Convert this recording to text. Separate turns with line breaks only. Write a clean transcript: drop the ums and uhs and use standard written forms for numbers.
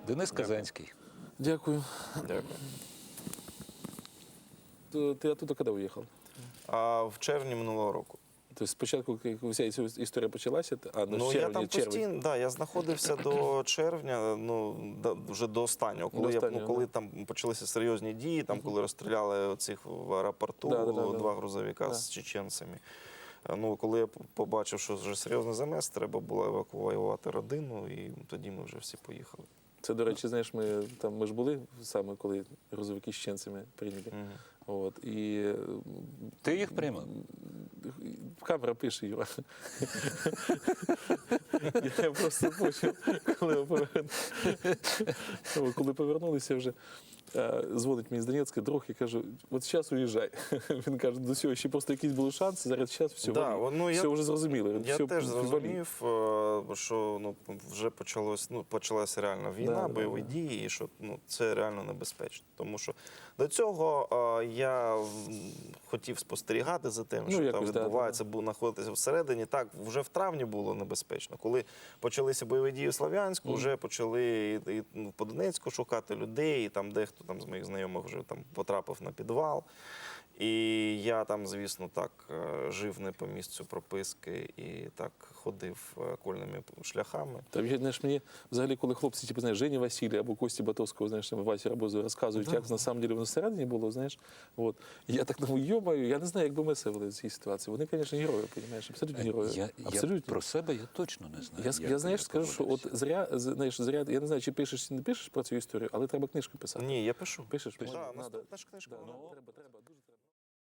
Денис Казанський.
Дякую.
Дякую.
Ты оттуда когда уехал?
А в червні минулого року.
То есть спочатку, як вся ця історія почалася,
Ну, я там постійно, да, я знаходився до червня, вже до останнього. Коли там почалися серйозні дії, там, коли розстріляли оцих в аеропорту два грузовика з чеченцями. Ну, коли я побачив, що вже серйозний замес, треба було евакуювати родину, і тоді ми вже всі поїхали.
Це, до речі, знаєш, ми ж були саме, коли грузовики з чеченцями прийняли. От, і
Ти їх приймав?
камера пише, Юра. Я просто почув, коли повернулися вже, дзвонить мені з Донецька друг і каже, от зараз уїжджай. Він каже, до цього ще просто якісь були шанси, зараз все вже зрозуміло.
Я теж зрозумів, що вже почалася реальна війна, бойові дії, і що це реально небезпечно. Тому що до цього я хотів спостерігати за тим, що там відбувається, знаходитися всередині. Так, вже в травні було небезпечно. Коли почалися бойові дії в Слов'янську, вже почали і по Донецьку шукати людей, і там дехто з моїх знайомих вже потрапив на підвал. І я там, звісно, так жив не по місцю прописки і так ходив окольними шляхами.
Там, знаєш, мені взагалі, коли хлопці, типу, знаєш, Жені Василія або Кості Батовського, знаєш, Васі Рабозу розказують, як на самом деле воно всередині було, знаєш. От. І я так думаю, йомаю, я не знаю, як би ми себе вели в цій ситуації. Вони, звісно, герої, розумієш, абсолютно герої.
Я про себе я точно не знаю.
Я знаєш, скажу, що от зря, я не знаю, чи пишеш, чи не пишеш про цю історію, але треба книжку писати.
Ні, я пишу.
Пишеш?
Так, наступна ж книжка.
Треба дуже.